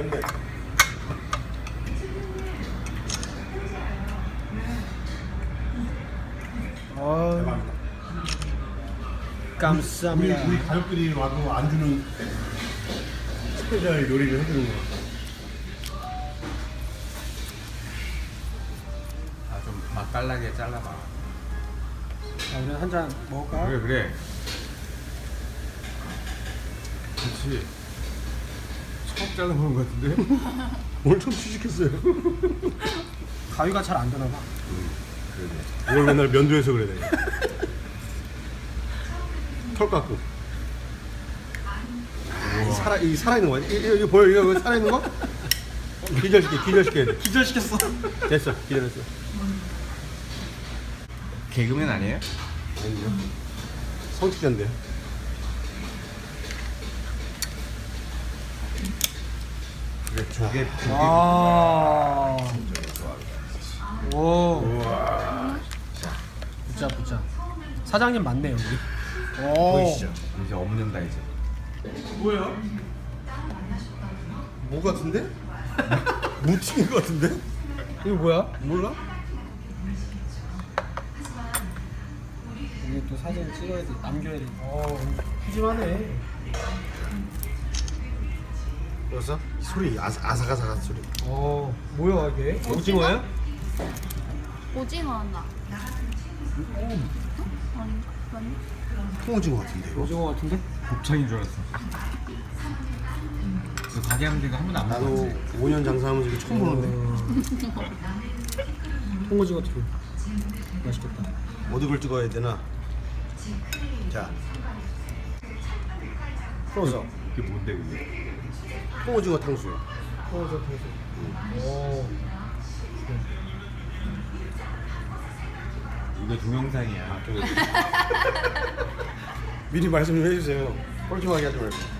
있네. 대박이다. 감사합니다. 우리 가족들이 와도 안 주는 스페셜 요리를 해주는 거. 좀 맛깔나게 잘라봐. 자, 우리 한 잔 먹을까? 그래 그래. 그렇지. 처음 잘라보는 것 같은데? 오늘 처음 취직했어요. 가위가 잘 안 되나 봐. 그러네. 이걸 맨날 면도해서 그래 내가. 털 깎고. 이 살아있는 거야? 이거 보여? 이거 살아있는 거? 기절시켜야 돼. 기절시켰어. 됐어, 기절했어. 개그맨 아니에요? 아니요. 성직자인데. 그래 조개 아. 오. 붙자. 사장님 맞네 여기. 오. 보이시죠? 이제 없는다 이제. 뭐야? 뭐 같은데? 무침인 것 같은데? 이거 뭐야? 몰라? 이게 또 사진 찍어야 돼, 남겨야 돼. 푸짐하네. 그래서 소리 아삭아삭한 소리. 뭐야 이게? 오징어야? 오징어 하나. 아니, 아니. 통오징어 같은데 이거? 오징어 같은데? 곱창인 줄 알았어. 그 가게 하는 데가 한 번도 안 나도 먹었지. 5년 장사하면서 이거 처음 보는데. 통오징어 튀김. 맛있겠다. 어디를 찍어야 되나? 자, 풀어서 그게 뭔데 그게? 통오징어 탕수육. 통오징어 튀김. 오. 이거 동영상이야. 미리 말씀 좀 해주세요. 뻘쭘하게 하지 말고.